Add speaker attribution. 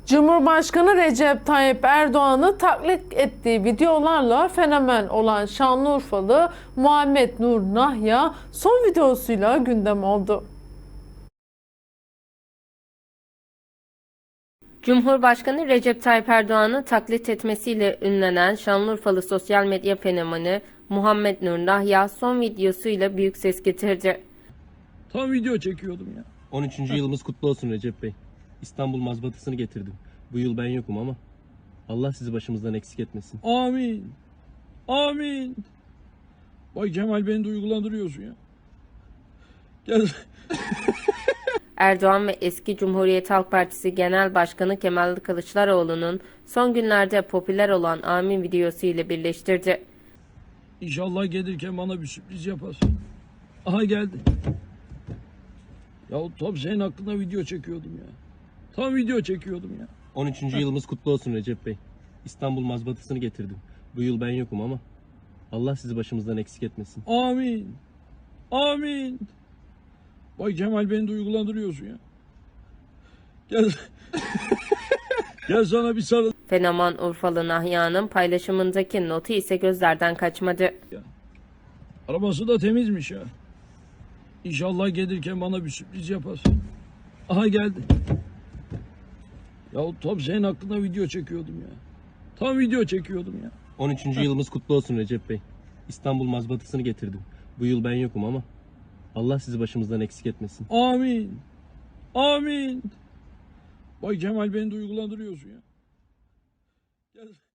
Speaker 1: Cumhurbaşkanı Recep Tayyip Erdoğan'ı taklit ettiği videolarla fenomen olan Şanlıurfalı Muhammed Nur Nahya son videosuyla gündem oldu.
Speaker 2: Cumhurbaşkanı Recep Tayyip Erdoğan'ı taklit etmesiyle ünlenen Şanlıurfalı sosyal medya fenomeni Muhammed Nur Nahya son videosuyla büyük ses getirdi.
Speaker 3: Tam video çekiyordum ya.
Speaker 4: 13. yılımız kutlu olsun Recep Bey. İstanbul mazbatasını getirdim. Bu yıl ben yokum ama Allah sizi başımızdan eksik etmesin.
Speaker 3: Amin. Amin. Vay Kemal, beni duygulandırıyorsun ya. Gel.
Speaker 2: Erdoğan ve eski Cumhuriyet Halk Partisi Genel Başkanı Kemal Kılıçdaroğlu'nun son günlerde popüler olan Amin videosu ile birleştirdi.
Speaker 3: İnşallah gelirken bana bir sürpriz yaparsın. Aha geldi. Ya tam senin hakkında video çekiyordum ya. Tam video çekiyordum ya.
Speaker 4: 13. yılımız kutlu olsun Recep Bey. İstanbul mazbatasını getirdim. Bu yıl ben yokum ama Allah sizi başımızdan eksik etmesin.
Speaker 3: Amin. Amin. Vay Kemal, beni duygulandırıyorsun ya. Gel. Gel sana bir sarıl.
Speaker 2: Fenomen Urfalı Nahya'nın paylaşımındaki notu ise gözlerden kaçmadı.
Speaker 3: Arabası da temizmiş ya. İnşallah gelirken bana bir sürpriz yaparsın. Aha geldi. Ya tam senin hakkında video çekiyordum ya. Tam video çekiyordum ya.
Speaker 4: 13. yılımız kutlu olsun Recep Bey. İstanbul mazbatasını getirdim. Bu yıl ben yokum ama Allah sizi başımızdan eksik etmesin.
Speaker 3: Amin. Amin. Vay Kemal, beni duygulandırıyorsun ya. Gel.